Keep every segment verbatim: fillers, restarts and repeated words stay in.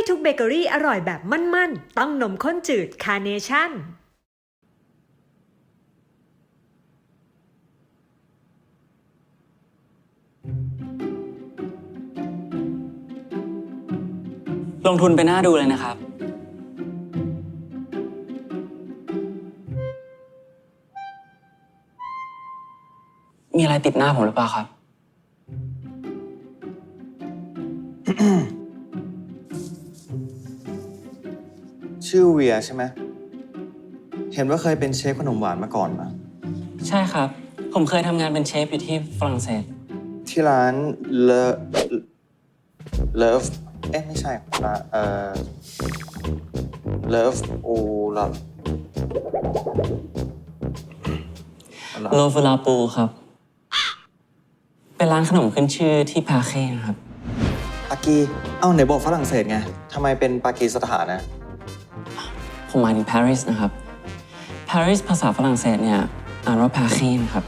ทุกเบเกอรี่อร่อยแบบมั่นๆต้องนมข้นจืดคาร์เนชั่นลงทุนไปหน้าดูเลยนะครับมีอะไรติดหน้าผมหรือเปล่าครับชื่อเวียใช่ไหมเห็นว่าเคยเป็นเชฟขนมหวานมาก่อนนะใช่ครับ ผมเคยทำงานเป็นเชฟอยู่ที่ฝรั่งเศสที่ร้านเลเลิฟเอ๊ะไม่ใช่ร้านเอ่อเลิฟโอลาโลฟูลาปูครับ เป็นร้านขนมขึ้นชื่อที่พาเค้นะครับปากีเอ้าไหนบอกฝรั่งเศสไงทำไมเป็นปากีสถานนะผมหมายถึงปารีสนะครับปารีสภาษาฝรั่งเศสเนี่ยอ่านว่าพาเค้นะครับ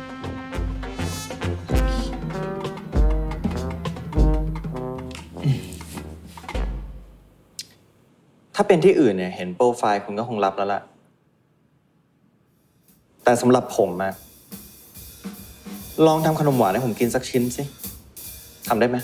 ถ้าเป็นที่อื่นเนี่ยเห็นโปรไฟล์คุณก็คงรับแล้วล่ะแต่สำหรับผมอะลองทำขนมหวานให้ผมกินสักชิ้นสิทำได้ไหม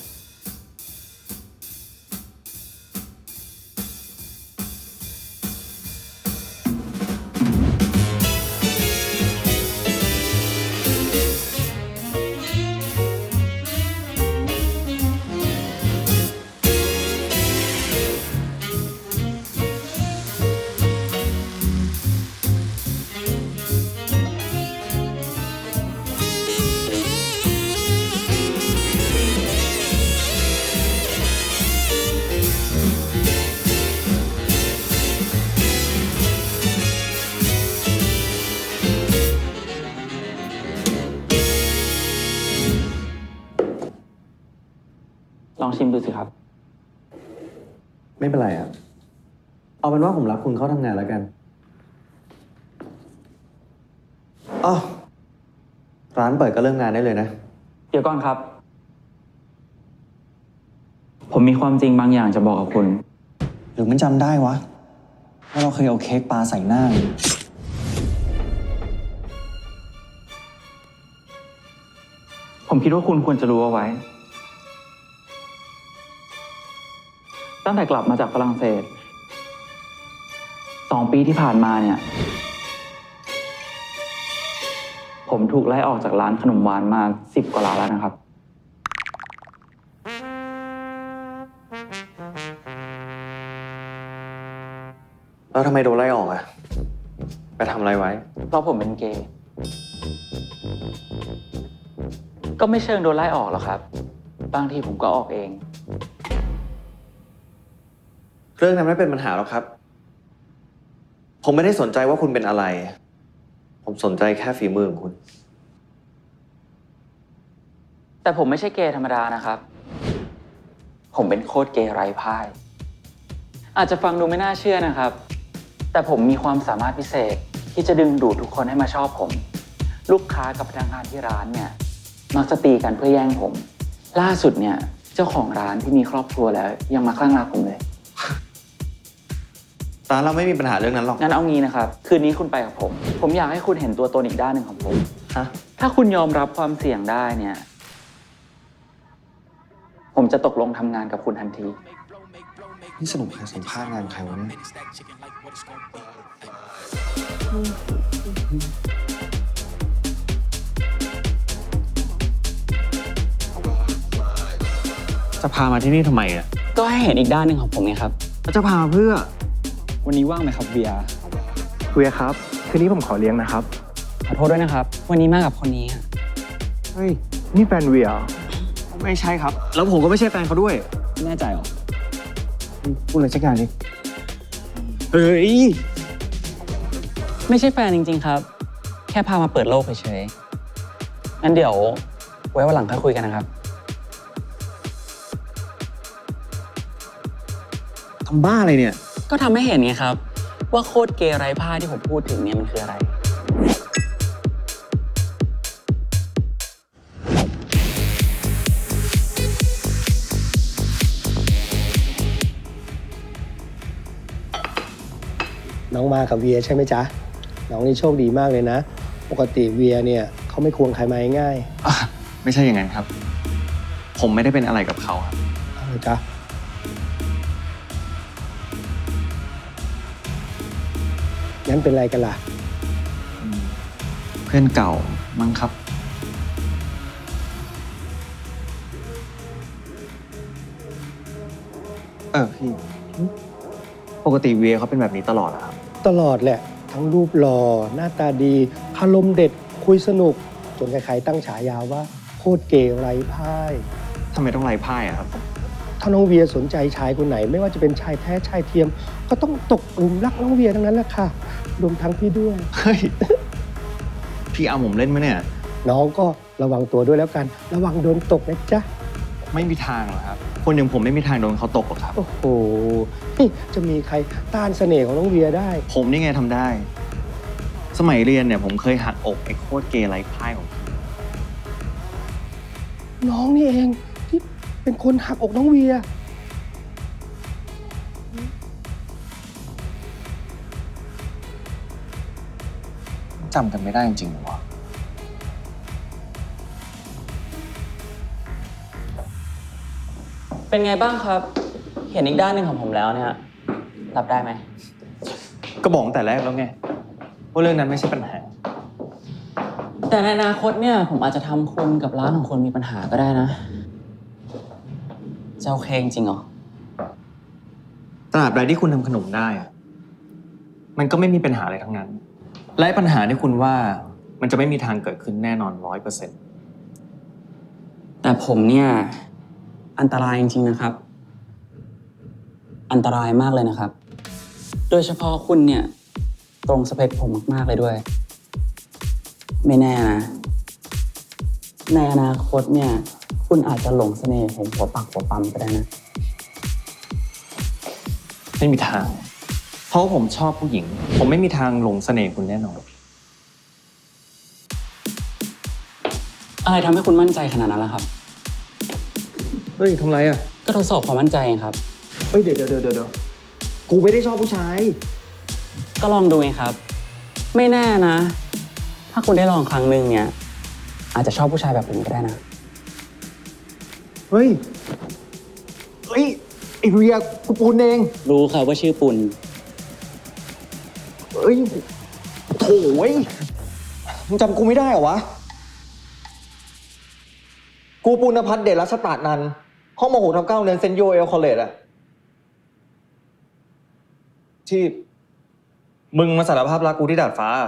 ลองชิมดูสิครับไม่เป็นไรอะเอาเป็นว่าผมรับคุณเข้าทำงานแล้วกันอ๋อร้านเปิดก็เริ่มงานได้เลยนะเดี๋ยวก่อนครับ ผมมีความจริงบางอย่างจะบอกกับคุณหรือมันจำได้วะว่าเราเคยเอาเค้กปลาใส่หน้าผมคิดว่าคุณควรจะรู้เอาไว้ ตั้งแต่กลับมาจากฝรั่งเศส สองปีที่ผ่านมาเนี่ย ผมถูกไล่ออกจากร้านขนมหวานมาสิบกว่าร้านแล้วนะครับแล้วทำไมโดนไล่ออกอะไปทำอะไรไว้เพราะผมเป็นเกย์ ก็ไม่เชิงโดนไล่ออกหรอกครับ บางทีผมก็ออกเองเรื่องนั้นไม่เป็นปัญหาหรอกครับ ผมไม่ได้สนใจว่าคุณเป็นอะไร ผมสนใจแค่ฝีมือของคุณแต่ผมไม่ใช่เกย์ธรรมดานะครับ ผมเป็นโคตรเกย์ไร้พ่าย อาจจะฟังดูไม่น่าเชื่อนะครับ แต่ผมมีความสามารถพิเศษที่จะดึงดูดทุกคนให้มาชอบผม ลูกค้ากับพนักงานที่ร้านเนี่ยมักจะตีกันเพื่อแย่งผม ล่าสุดเนี่ยเจ้าของร้านที่มีครอบครัวแล้วยังมาคลั่งรักผมเลยร้านเราไม่มีปัญหาเรื่องนั้นหรอกงั้นเอางี้นะครับ คืนนี้คุณไปกับผม ผมอยากให้คุณเห็นตัวตนอีกด้านหนึ่งของผมฮะถ้าคุณยอมรับความเสี่ยงได้เนี่ย ผมจะตกลงทำงานกับคุณทันทีนี่สรุปใครสัมภาษณ์งานใครวะเนี่ยจะพามาที่นี่ทำไมอะก็ให้เห็นอีกด้านหนึ่งของผมไงครับจะพามาเพื่อวันนี้ว่างไหมครับเบียร์เวียครับ คืนนี้ผมขอเลี้ยงนะครับขอโทษด้วยนะครับ วันนี้มากับคนนี้อะเฮ้ย นี่แฟนเวียเหรอไม่ใช่ครับ แล้วผมก็ไม่ใช่แฟนเขาด้วยแน่ใจเหรอพูดอะไรสักอย่างดิเฮ้ยไม่ใช่แฟนจริงๆครับ แค่พามาเปิดโลกเฉยๆงั้นเดี๋ยวไว้วันหลังค่อยคุยกันนะครับทำบ้าอะไรเนี่ยก็ทำให้เห็นไงครับ ว่าโคตรเกย์ไร้ผ้าที่ผมพูดถึงเนี่ยมันคืออะไรน้องมากับเวียใช่ไหมจ๊ะ น้องนี่โชคดีมากเลยนะ ปกติเวียเนี่ยเขาไม่ควงใครมาง่ายอ่ะไม่ใช่อย่างนั้นครับ ผมไม่ได้เป็นอะไรกับเขาครับๆเอาเลยจ๊ะงั้นเป็นไรกันล่ะอืมเพื่อนเก่ามั้งครับ เออพี่ ปกติเวียเขาเป็นแบบนี้ตลอดเหรอครับตลอดแหละ ทั้งรูปหล่อหน้าตาดีอารมณ์เด็ดคุยสนุก จนใครๆตั้งฉายาว่าโคตรเกย์ไร้พ่ายทำไมต้องไล่พ่ายอะครับถ้าน้องเวียสนใจชายคนไหน ไม่ว่าจะเป็นชายแท้ชายเทียม ก็ต้องตกหลุมรักน้องเวียทั้งนั้นแหละค่ะ รวมทั้งพี่ด้วยเฮ้ย พี่เอาผมเล่นไหมเนี่ยน้องก็ระวังตัวด้วยแล้วกัน ระวังโดนตกนะจ๊ะไม่มีทางหรอกครับ คนอย่างผมไม่มีทางโดนเขาตกหรอกครับโอ้โหนี่จะมีใครต้านเสน่ห์ของน้องเวียได้ผมนี่ไงทำได้ สมัยเรียนเนี่ยผมเคยหักอกไอ้โคตรเกย์ไร้พ่ายของผมน้องนี่เองที่เป็นคนหักอกน้องเวียจำกันไม่ได้จริงๆหรอวะเป็นไงบ้างครับ เห็นอีกด้านหนึ่งของผมแล้วเนี่ย รับได้ไหมก็บอกตั้งแต่แรกแล้วไงว่าเรื่องนั้นไม่ใช่ปัญหาแต่ในอนาคตเนี่ย ผมอาจจะทำคุณกับร้านของคุณมีปัญหาก็ได้นะจะโอเคจริงเหรอตราบใดที่คุณทำขนมได้อะมันก็ไม่มีปัญหาอะไรทั้งนั้น และปัญหาที่คุณว่ามันจะไม่มีทางเกิดขึ้นแน่นอนร้อยเปอร์เซ็นต์แต่ผมเนี่ยอันตรายจริงๆนะครับ อันตรายมากเลยนะครับ โดยเฉพาะคุณเนี่ยตรงสเปคผมมากๆเลยด้วย ไม่แน่นะในอนาคตเนี่ยคุณอาจจะหลงเสน่ห์ผมหัวปักหัวปั๊มก็ได้นะไม่มีทาง เพราะว่าผมชอบผู้หญิง ผมไม่มีทางหลงเสน่ห์คุณแน่นอนอะไรทำให้คุณมั่นใจขนาดนั้นล่ะครับเฮ้ยทำไรอ่ะก็ทดสอบความมั่นใจไงครับเฮ้ยเดี๋ยวเดี๋ยวเดี๋ยวเดี๋ยวกูไม่ได้ชอบผู้ชายก็ลองดูไงครับ ไม่แน่นะ ถ้าคุณได้ลองครั้งหนึ่งเนี่ย อาจจะชอบผู้ชายแบบผมก็ได้นะเฮ้ย เฮ้ยไอ้เรียกูปูนเองรู้ครับว่าชื่อปุณเฮ้ยโถ่เว้ยมึงจำกูไม่ได้เหรอวะ กูปุณพัฒน์เดชรัชตานันท์ห้องมหกทับเก้าเรียนเซนต์โยเอลคอลเลจอะที่ มึงมาสารภาพรักกูที่ดาดฟ้า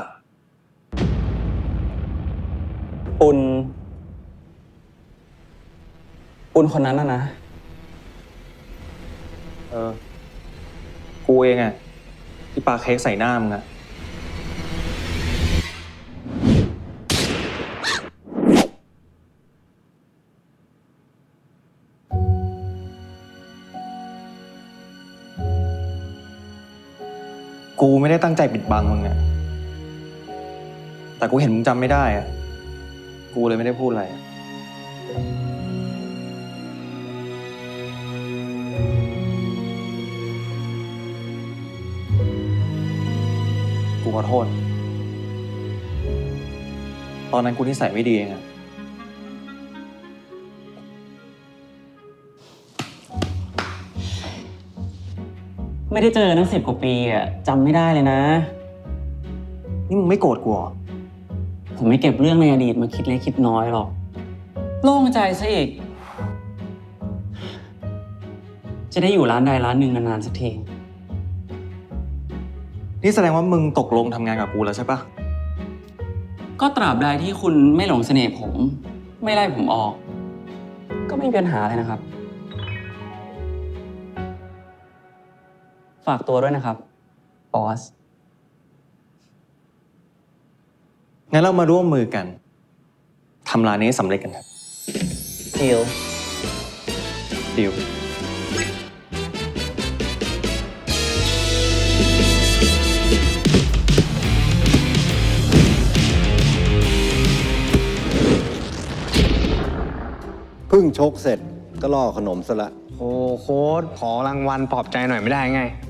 ปุณปุณคนนั้นนะนะเออ กูเองอะที่ปาเค้กใส่หน้ามึงอะกูไม่ได้ตั้งใจปิดบังมึงอะแต่กูเห็นมึงจำไม่ได้อะกูเลยไม่ได้พูดอะไรอะกูขอโทษ ตอนนั้นกูนิสัยไม่ดีเองอะไม่ได้เจอตั้งสิบกว่าปีอ่ะจำไม่ได้เลยนะนี่มึงไม่โกรธกูเหรอผมไม่เก็บเรื่องในอดีตมาคิดเล็กคิดน้อยหรอก โล่งใจซะอีก จะได้อยู่ร้านใดร้านหนึ่งนานๆสักทีนี่แสดงว่ามึงตกลงทำงานกับกูแล้วใช่ปะก็ตราบใดที่คุณไม่หลงเสน่ห์ผม ไม่ไล่ผมออก ก็ไม่มีปัญหาเลยนะครับ ฝากตัวด้วยนะครับ บอสงั้นเรามาร่วมมือกันทำร้านนี้สำเร็จกันครับดีลดิวเพิ่งชกเสร็จก็ล่อขนมซะละโอ้โค้ดขอรางวัลปลอบใจหน่อยไม่ได้ไง